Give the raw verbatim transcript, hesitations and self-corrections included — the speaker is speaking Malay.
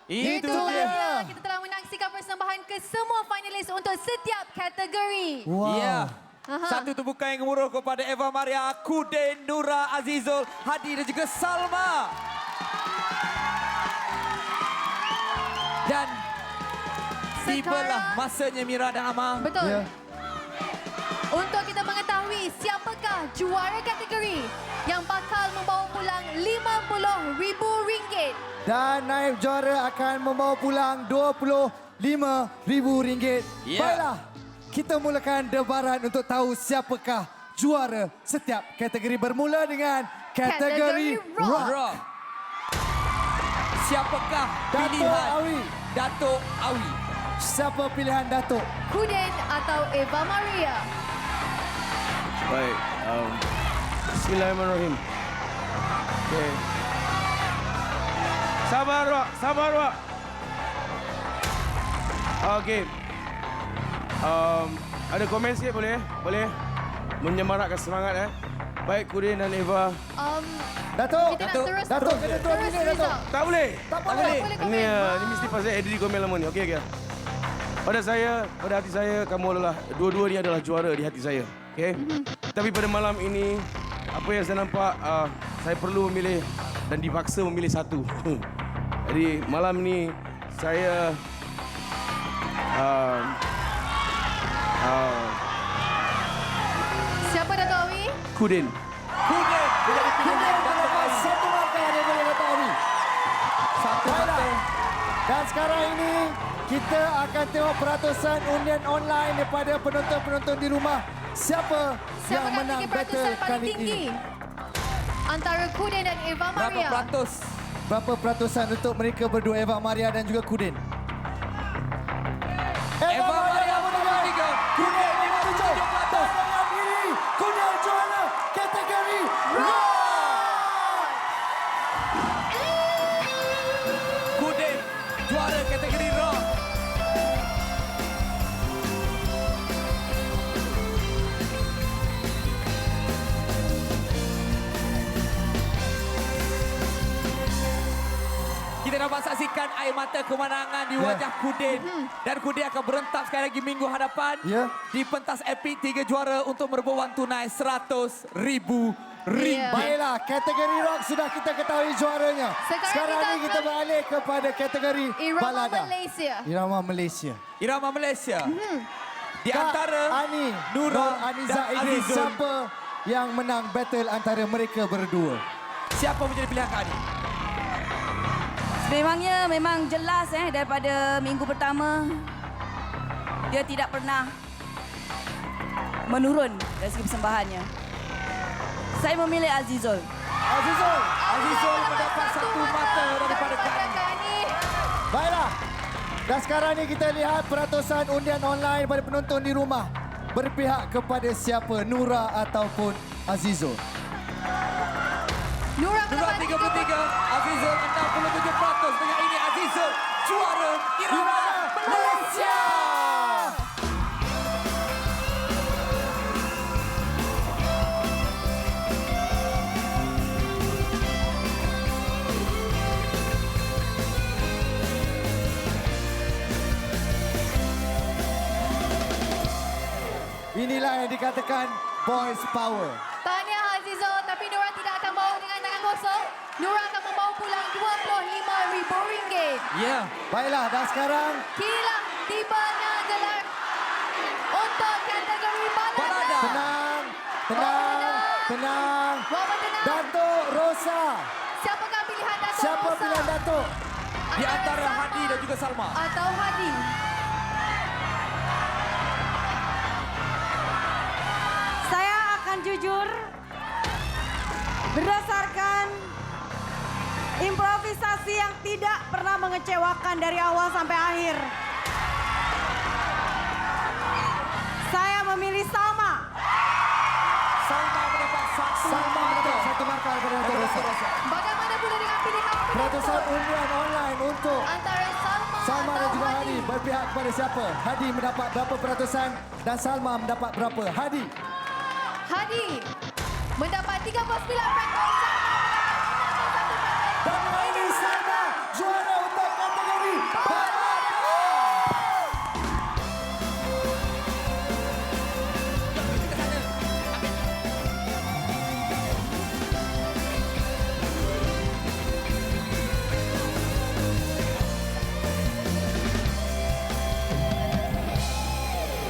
Itu Itulah dia. dia. Kita telah menyaksikan persembahan ke semua finalis untuk setiap kategori. Wow. Ya. Aha. Satu tepukan yang gemuruh kepada Eva Maria, Kudin, Nura, Azizul, Hadi dan juga Salma. Dan tibalah masanya Mira dan Amang. Betul. Ya. Untuk kita mengetahui siapakah juara kategori yang bakal membawa pulang lima puluh ribu ringgit. Dan naib juara akan membawa pulang dua puluh lima ribu ringgit. Ya. Baiklah, kita mulakan debaran untuk tahu siapakah juara setiap kategori, bermula dengan kategori, Kategori rock. rock. Rock. Siapakah Datuk pilihan Awi. Datuk Awi? Siapa pilihan Datuk? Kudin atau Eva Maria? Baik. Um, Bismillahirrahmanirrahim. Okay. Sabar, Wak. Sabar, Wak. Okey. Um, ada komen sikit boleh? Boleh? Menyemarakkan semangat eh. Baik Kudin dan Eva. Um, Datuk, kita nak Datuk, terus Datuk, kena terus turun minit, Datuk. result. Tak boleh. Tak Tak boleh. boleh komen. Ini, uh, Ah. ini mesti pasal edit komen lama ni. Okey, okey. Pada saya, pada hati saya, kamu adalah, dua-dua ni adalah juara di hati saya. Okey? Tapi pada malam ini, apa yang saya nampak, uh, saya perlu memilih dan dipaksa memilih satu. Jadi malam ni, saya... Uh, uh, Siapa Datuk Awi? Kudin. Kudin menjadi pilihan Datuk Awi. Satu markah daripada Datuk Awi. Satu Baiklah. mata. Dan sekarang ini kita akan tengok peratusan undian online daripada penonton-penonton di rumah. Siapa, yang Siapakah menang tinggi battle peratusan paling kali tinggi? ini? Antara Kudin dan Eva Berapa Maria. peratus? Berapa peratusan untuk mereka berdua, Eva Maria dan juga Kudin? Eva Maria lima puluh tiga, Kudin lima puluh tujuh peratus. Dengan diri, Kudin juara kategori rock. Kudin juara kategori rock. Kita dapat saksikan air mata kemenangan di Ya. wajah Kudin. Dan Kudin akan berentak sekali lagi minggu hadapan. Ya. Di pentas epik tiga juara untuk merebut wang tunai seratus ribu ringgit. Baiklah, kategori rock sudah kita ketahui juaranya. Sekarang Sekarang kita ini kita akan- beralih kepada kategori Irama balada. Malaysia. Irama Malaysia. Irama Malaysia. Di Kak antara Ani, Nura Nur Aniza dan Idris, Azizul. siapa yang menang battle antara mereka berdua? Siapa menjadi pilihan Kak Ani? Memangnya memang jelas eh daripada minggu pertama dia tidak pernah menurun dari segi persembahannya. Saya memilih Azizul. Azizul. Azizul mendapat satu mata daripada Kak Ani. Kak Ani. Baiklah. Dan sekarang ni kita lihat peratusan undian online pada penonton di rumah. Berpihak kepada siapa, Nura ataupun Azizul? Nura Nura mendapat tiga puluh tiga, Azizul enam puluh tujuh peratus. Dengan ini Azizul juara Irama Malaysia. Inilah yang dikatakan boys power. Tahniah Azizul, tapi Nura tidak akan bawa dengan tangan kosong. Nura akan membawa pulang dua puluh lima ribu ringgit. Ya. Baiklah, dan sekarang Kinilah tibanya gelar untuk kategori balada. Balada. tenang, tenang, tenang. Bawa tenang. Datuk Rosa. Siapakah pilihan Datuk Siapa Rosa? pilihan Datuk? Di antara Salma Hadi dan juga Salma. atau Hadi? Saya akan jujur berdasarkan improvisasi yang tidak pernah mengecewakan dari awal sampai akhir. Saya memilih Salma. Salma mendapat satu Salma mendapat satu markah daripada Datuk Rosa. Bagaimana pula dengan pilihan Peratusan penonton? undian online untuk Antara Salma, Salma dan atau juga Hadi? Hadi berpihak kepada siapa? Hadi mendapat berapa peratusan dan Salma mendapat berapa? Hadi. Hadi mendapat tiga puluh sembilan peratus.